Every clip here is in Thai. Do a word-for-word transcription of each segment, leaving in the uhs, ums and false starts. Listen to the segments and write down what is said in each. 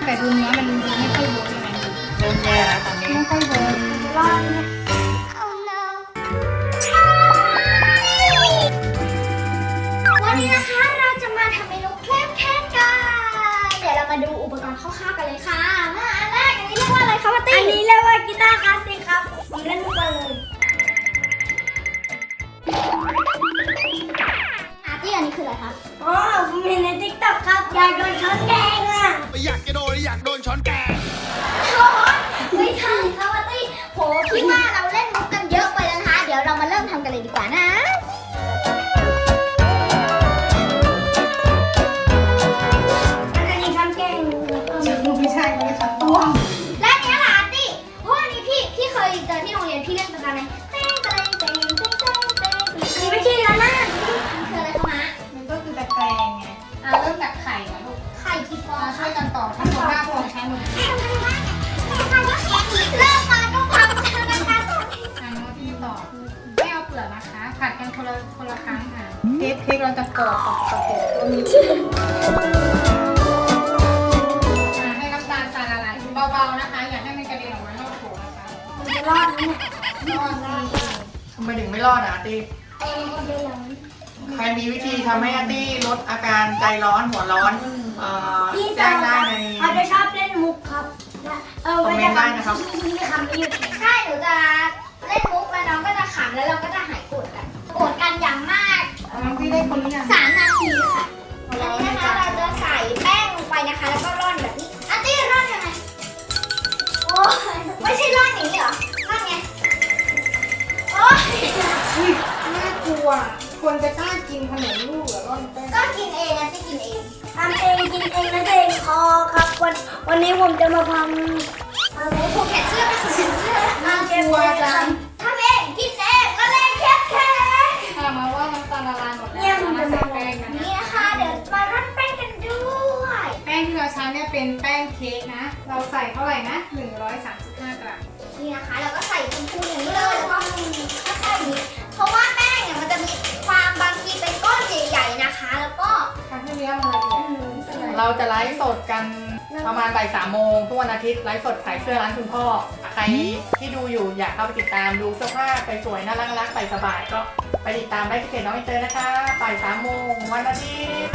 แต่ดูเนื้อมันดูไม่ค่อยเวิร์กยังไงเริ่มแย่แล้วตอนนี้ไม่ค่อยเวิร์กร้อนเนี่ยวันนี้นะคะเราจะมาทำเมนูแคลมแคนกันเดี๋ยวเรามาดูอุปกรณ์คร่าวๆกันเลยค่ะมาอันแรกอันนี้เรียกว่าอะไรคะป้าตี้อันนี้เรียกว่ากีตาร์คลาสสิกครับผมเล่นทุกวันเลยอาร์ตี้อันนี้คืออะไรคะอ๋อผมเห็นในติ๊กต็อกครับอยากโดนช้อนแกงอ่ะอยากจะโดนอยากโดนช้อนแกงไม่ใช่ค่ะป้าตี้โหพี่ว่าเราเล่นมุกกันเยอะไปแล้วนะคะเดี๋ยวเรามาเริ่มทำกันเลยดีกว่านะไม่ใช่ไม่ใช่ต้วงและเนี้ยล่ะอาร์ตี้เพราะอันนี้พี่พี่เคยเจอที่โรงเรียนพี่เล่นประจำไหมเต้งเต้งเต้งเต้งเต้งเต้งนี่ไม่ใช่แล้วนะมันคืออะไรคะมะมันก็คือตะแกรงไงอ่าเริ่มจากไข่นะลูกไข่กี่ฟองช่วยกันต่อทั้งหมดห้าฟองใช้มือเริ่มมาก็ทำกันนะคะอ่าน้องที่ต่อไม่เอาเปลือกนะคะผัดกันคนละคนละครั้งค่ะเค้กเค้กเราจะกรอบกับกระโปงตัวนี้เบาๆนะคะอย่าให้มันกระเด็นออกมานอกโถนะคะมันจะรอดไหมเนี่ยรอดสิทำไมถึงไม่รอดอ่ะอาร์ตี้ใครมีวิธีทำให้อาร์ตี้ลดอาการใจร้อนหัวร้อนแจ้งได้ในเขาจะชอบเล่นมุกครับเออคอมเมนต์ได้นะครับไม่ขำไม่หยุดใช่หนูจะเล่นมุกแล้วน้องก็จะขำแล้วเราก็จะหายโกรธกันโกรธกันอย่างมากน้องที่ได้คนหรือยังสามนาทีค่ะอันนี้นะคะเราจะใส่แป้งลงไปนะคะแล้วก็ร่อนแบบนี้อาร์ตี้ร่อนยังไงโอ้ไม่ใช่ร่อนอย่างนี้เหรอร่อนไงโอ้ยน่ากลัวคนจะกล้ากินขนมลูกเหรอร่อนแป้งก็กินเองนะที่กินเองทำเองกินเองนะเองพอครับวันวันนี้ผมจะมาทำอะไรผูกแขนเสื้อไปผูกแขนเสื้อน่ากลัวจังทำเองกินเองละเลงแค่แค่ถามมาว่าน้ำตาลละลายหมดแล้วมาใส่แป้งกันนี่นะคะเดี๋ยวมาร่อนแป้งกันด้วยแป้งที่เราใช้เนี่ยเป็นแป้งเค้กนะเราใส่เท่าไหร่นะหนึ่งร้อยสามสิบห้ากรัมนี่นะคะเราก็ใส่พูนๆอย่างนี้เลยแล้วก็ค่อยๆนี้เพราะว่าแป้งเนี่ยมันจะมีความบางทีเป็นก้อนใหญ่ๆนะคะแล้วก็ทำให้เนื้อมันละเอียดเราจะไลฟ์สดกันประมาณบ่ายสามโมงทุกวันอาทิตย์ไลฟ์สดขายเสื้อร้านคุณพ่อใครที่ดูอยู่อยากเข้าไปติดตามดูเสื้อผ้าสวยๆน่ารักๆใส่สบายก็ไปติดตามได้ที่เพจน้องอินเตอร์นะคะบ่ายสามโมงวันอาทิตย์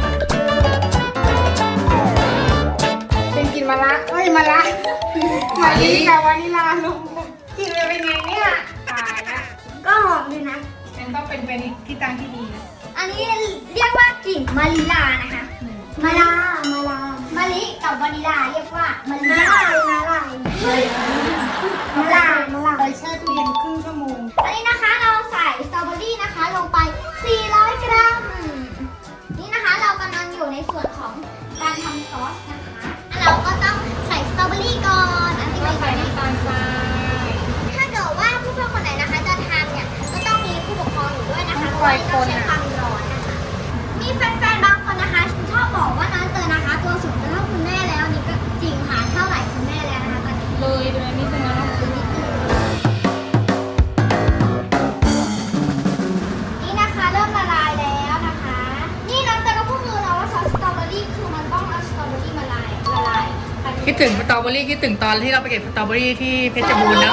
เป็นกินมะระเอ้ยมะระมาลีกับวานิลาลูกกินไปเป็นไงเนี่ยตายละก็หอมดีนะมันต้องเป็นเป็นที่ตั้งที่ดีนะอันนี้เรียกว่ากลิ่นมาริลานะคะมาลามาลามะลิกับวานิลาเรียกว่ามาริลามาลามาลามาลาไปแช่ตู้เย็นครึ่งชั่วโมงอันนี้นะคะเราใส่สตรอเบอรี่นะคะลงไปสี่ร้อยกรัมนี่นะคะเรากำลังอยู่ในส่วนของการทำซอสนะคะเราก็ต้องใส่สตรอเบอรี่ก่อนอันนี้ใส่น้ำตาลทรายถ้าเกิดว่าผู้ปกครองคนไหนนะคะจะทำเนี่ยก็ต้องมีผู้ปกครองอยู่ด้วยนะคะเพราะว่าต้องใช้ความร้อนนะคะมีแฟนๆบางคนนะคะชอบบอกว่าน้องเตยนะคะตัวสูงจะเท่าคุณแม่แล้วนี่ก็จริงค่ะเท่าไหร่คุณแม่แล้วนะคะตอนนี้เลยโดยนิดนึงนะนี่นะคะเริ่มละลายแล้วนะคะนี่น้องเตยก็พูดเลยนะว่าซอสสตรอเบอรี่คือมันต้องเอาสตรอเบอรี่มาละลายละลายคิดถึงสตรอเบอรี่คิดถึงตอนที่เราไปเก็บสตรอเบอรี่ที่เพชรบูรณ์นะ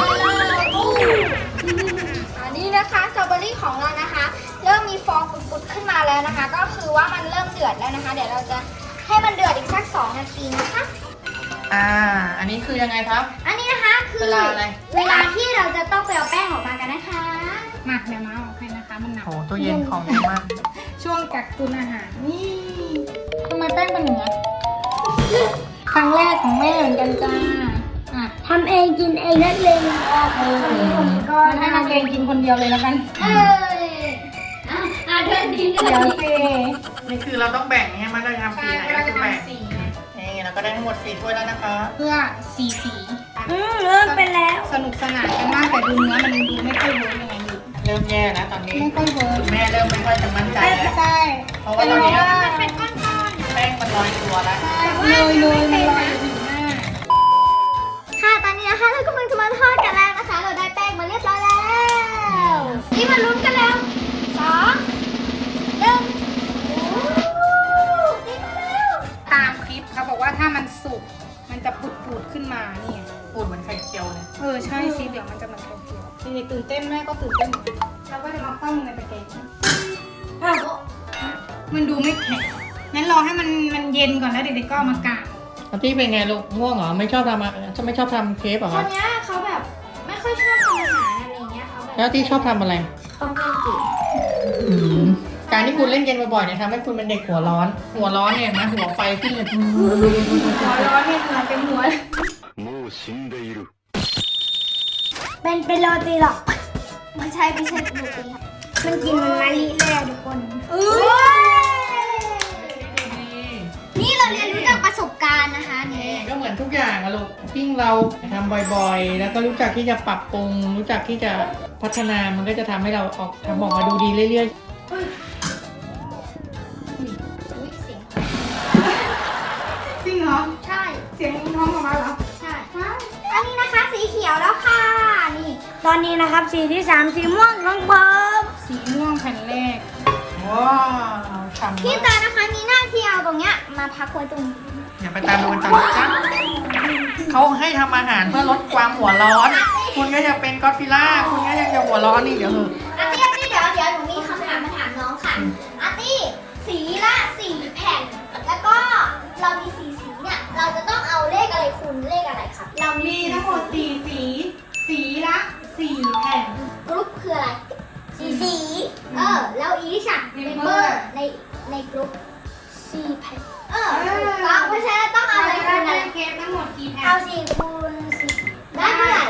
อันนี้นะคะสตรอเบอรี่ของเรานะคะเริ่มมีฟองปุดๆขึ้นมาแล้วนะคะก็คือว่ามันเริ่มเดือดแล้วนะคะเดี๋ยวเราจะให้มันเดือดอีกสักสองนาทีนะคะอ่าอันนี้คือยังไงครับอันนี้นะคะคือเวลาอะไรเวลาที่เราจะต้องไปเอาแป้งออกมากันนะคะมาเดี๋ยวมาออกให้นะคะมันหนักโอ้ตู้เย็นของเยอะมากช่วงกักตุนอาหารนี่ทำไมแป้งเป็นอย่างนี้ครั้งแรกของแม่เหมือนกันจ้าทำเองกินเองนั่นเลยเออก็ให้น้องเองกินคนเดียวเลยแล้วกันเอออ่าเดินดีเดี๋ยวสินี่คือเราต้องแบ่งเนี่ยมันก็ทำสีไหนก็คือแบ่งนี่เราก็ได้ทั้งหมดสี่ถ้วยแล้วนะคะเพื่อสีสีอืมเริ่มเป็นแล้วสนุกสนานกันมากแต่ดูเนื้อมันดูไม่ค่อยเวิร์กยังไงอยู่เริ่มแย่นะตอนนี้ไม่ค่อยเวิร์กแม่เริ่มไม่ค่อยจะมั่นใจแล้วใช่เพราะว่าตอนนี้มันเป็นก้อนๆแป้งมันลอยตัวแล้วใช่เลยเลยมันลอยอยู่หน้าค่ะตอนนี้นะคะเรากำลังจะมาทอดกันแล้วนะคะเราได้แป้งมาเรียบร้อยแล้วนี่มาลุ้นกันแล้วสองหนึ่งตามคลิปเขาบอกว่าถ้ามันสุกมันจะปุดปูดๆขึ้นมานี่ไงปูดเหมือนไข่เจียวเลยเออใช่สีเหลืองมันจะเหมือนไข่เจียวเด็กๆตื่นเต้นแม่ก็ตื่นเต้นเหมือนกันเราก็จะมาคว่ำในตะแกรงมันดูไม่แข็งงั้นรอให้มันมันเย็นก่อนแล้วเด็กๆก็เอามากางอาที่เป็นไงลูกง่วงเหรอไม่ชอบทำอะจะไม่ชอบทำเค้กเหรอคคะนเนี้ยเขาแบบไม่ค่อยชอบทำอาหารอะไรอย่างเงี้ยเขาแบบแล้วที่ชอบทำอะไรต้องเล่นเกมการที่คุณเล่นเกมบ่อยๆเนี่ยทำให้คุณเป็นเด็กหัวร้อน หัวร้อนเนี่ยนะหัวไฟขึ้นเลยหัวร้อนเนี่ยเหงื่อเต็มหัวเลยもう死んでいるเป็นเป็นโรตีหรอกไม่ใช่ไม่ใช่โรตีค่ะมันกินมันมะลิเลยอะทุกคนเออนี่เราเรียนรู้จากประสบการณ์นะคะนี่ก็เหมือนทุกอย่างอะลูกยิ่งเราทำบ่อยๆ แล้วก็รู้จักที่จะปรับปรุง รู้จักที่จะพัฒนามันก็จะทำให้เราออกทำออกมาดูดีเรื่อยอุ๊ยเสียงจริงเหรอใช่เสียงท้องออกมาเหรอใช่อันนี้นะคะสีเขียวแล้วค่ะนี่ตอนนี้นะครับสีที่สามสีม่วงของผมสีม่วงแผ่นแรกๆว้าวฉ่ำพี่มากตานะคะมีหน้าที่เอาตรงเนี้ยมาพักไว้ตรงนี้อย่าไปตามดูกันต่อนะจ๊ะเขาให้ทำอาหารเพื่อลดความหัวร้อน คุณก็จะเป็นก็อดฟิลล่า คุณก็ยังจะหัวร้อนนี่เดี๋ยวเถอะอาร์ตี้อาร์ตี้เดี๋ยวเดี๋ยวหนูมีคำถามมาถามน้องค่ะอาร์ตี้สีละสี่แผ่น แล้วก็เรามีสีสีเนี่ยเราจะต้องเอาเลขอะไรคูณเลขอะไรครับเรามีมีทั้งหมดสี่สี สีละสี่แผ่นกรุ๊ปคืออะไรสีสีเออแล้วอีชอะเมมเบอ Member ร์ในในกรุ๊ปสี่แผ่นเออถูกต้องเพราะฉะนั้นต้องเอาอะไรคูณอะไรเค้กทั้งหมดกี่แผ่เอานสี่คูณสิบได้เท่าไหร่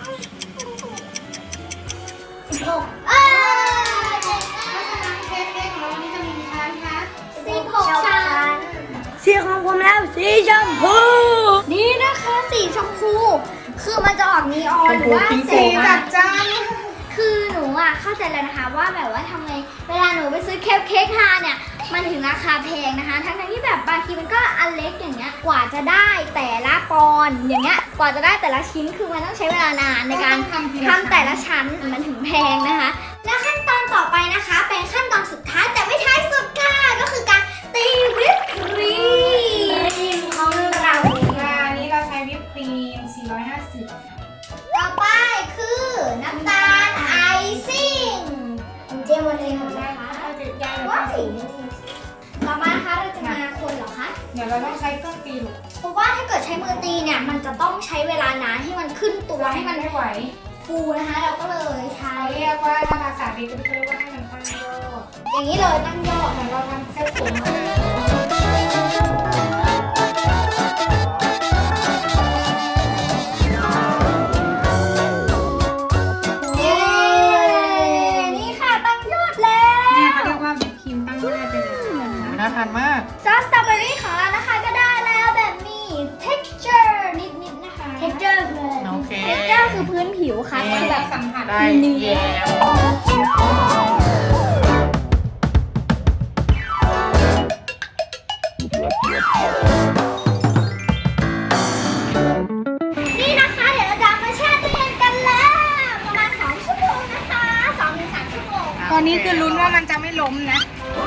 สิบหกเออเก่งมากเพราะฉะนั้นเค้กเค้กของเราวันนี้จะมีกี่ชั้นคะสิบหกชั้นสีของผมแล้วสีชมพูนี่นะคะสีชมพู คือมันจะออกนีออนหรือว่าชมพูแสสีงจัดจ้านคือหนูอ่ะเข้าใจแล้วนะคะว่าแบบว่าทำไงเวลาหนูไปซื้อเค้กเค้กทานเนี่ยมันถึงราคาแพงนะคะ ทั้งๆที่แบบบางทีมันก็อันเล็กอย่างเงี้ยกว่าจะได้แต่ละปอนด์อย่างเงี้ยกว่าจะได้แต่ละชิ้นคือมันต้องใช้เวลานานในการทำทีทำแต่ละชั้นมันถึงแพงนะคะ แล้วขั้นตอนต่อไปนะคะ เป็นขั้นตอนสุดท้ายแต่ไม่ท้ายสุดค่ะก็คือการตีวิปครีมของเราอ่าอันนี้เราใช้วิปครีมสี่ร้อยห้าสิบต่อไปคือน้ำตาลไอซิ่งเจมวันเองหมดเลยนะคะเราจะยายว้าเราวต่อมานะคะเราจะมาคนเหรอคะเดี๋ยวเราต้องใช้เครื่องตีลูกเพราะว่าถ้าเกิดใช้มือตีเนี่ยมันจะต้องใช้เวลานานให้มันขึ้นตัวให้มันไม่ไหวฟูนะคะ เราก็เลยใช้เขาเรียกว่าถ้าภาษาดีก็เรียกว่าให้มันตั้งโยกอย่างนี้เลยตั้งยอดเหมือนเราทำเส้นผมมาเย้นี่ค่ะตั้งยอดแล้วเนี่ยเขาเรียกว่าวิปครีมตั้งได้ไปเลยนะคะน่าทานมากซอสสตรอเบอรี่ของเรานะคะก็ได้แล้วแบบมี texture นิดๆนะคะ texture คืออะไรโอเค texture คือพื้นผิวค่ะคืคือ อแบแบบ บสัมผัสได้เนื้อแย้มนี่นะคะ เดี๋ยวเราจะเอามาแช่ตู้เย็นกันแล้วประมาณสองชั่วโมงนะคะสองถึงสามชั่วโมงตอนนี้คือลุ้นว่ามันจะไม่ล้มนะ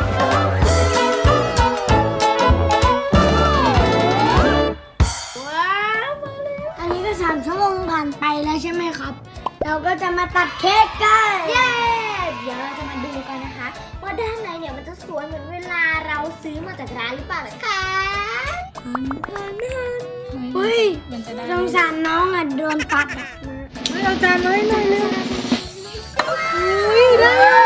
ว้าวมาแล้วอันนี้ก็สามชั่วโมงผ่านไปแล้วใช่ไหมครับ เราก็จะมาตัดเค้กกันเย้เดี๋ยวเราจะมาดูกันนะคะ ว่าด้านในเนี่ยมันจะสวยเหมือนเวลาเราซื้อมาจากร้านหรือเปล่านะคะอันอันอันเฮ้ยมันจะได้สงสารน้องอ่ะโดนตัดอ่ะเฮ้ยเอาจานน้อยหน่อยเลยอุ้ยได้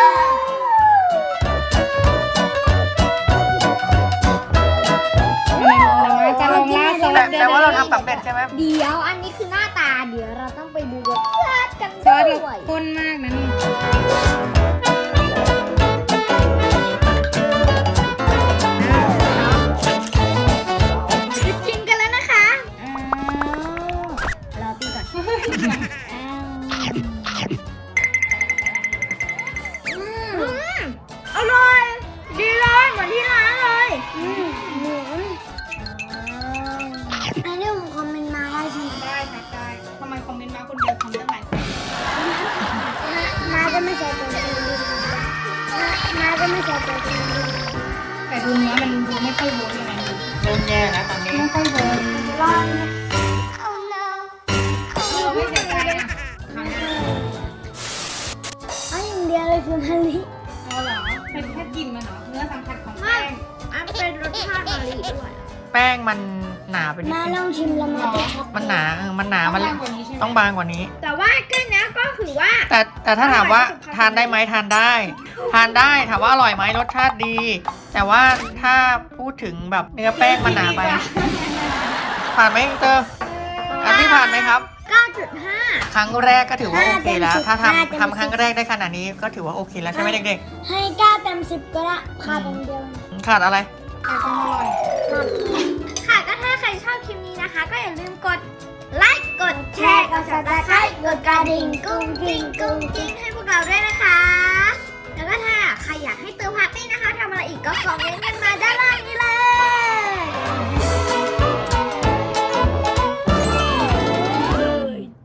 เรามาจะลงล่าซอสแต่แต่ว่าเราทำสำเร็จใช่ไหมเดี๋ยวอันนี้คือหน้าตาเดี๋ยวเราต้องไปดูรสชาติกันซอสด้เราวยข้นมากนะนี่จะกินกันแล้วนะคะอ้าวรอตีก่อนอ้าวอืมอร่อย ดีเลยเหมือนที่ร้านเลยอืมเหมือนอันนี้ผมคอมเมนต์มาได้ใช่ไหมได้ค่ะได้ทำไมคอมเมนต์มาคนเดียวทำได้หลายคนมาก็ไม่ใช่ตัวจริงมาก็ไม่ใช่ตัวจริงแต่ดูเนื้อมันดูไม่ค่อยเวิร์กยังไงดูเริ่มแย่แล้วตอนนี้ไม่ค่อยเวิร์กรอดแป้งมันหนาไปนิดมานึลอง งชิมแล้วมาเป็นช็อกโกแลตมันหนาเออมันหนามันต้องบางกว่านี้ใช่ไหมต้องบางกว่านี้แต่ว่าก็เนี้ยก็ถือว่าแต่แต่ถ้าถามว่าทานได้ไหมทานได้ ทานได้ถามว่าอร่อยไหมรสชาติดี แต่ว่าถ้าพูดถึงแบบเนื้อแป้งมันหนาไป ผ่านไหมอิงเตอร์อันที่ผ่านไหมครับเก้าจุดห้าครั้งแรกก็ถือว่าโอเคแล้ว ถ้าห้าเต็มสิบทำทำครั้งแรกได้ขนาดนี้ก็ถือว่าโอเคแล้วใช่ไหมเด็กให้เก้าเต็มสิบก็ได้ขาดอย่างเดียวๆขาดอะไรแต่ต้องอร่อยค่ะก็ถ้าใครชอบคลิปนี้นะคะ ก็อย่าลืมกดไลค์กดแชร์กด ซับสไครบ์กดกระดิ่งกุ้งกิ้งกุ้งกิ้งให้พวกเราด้วยนะคะ แล้วก็ถ้าใครอยากให้เติมพาร์ตี้นะคะทำอะไรอีกก็คอมเมนต์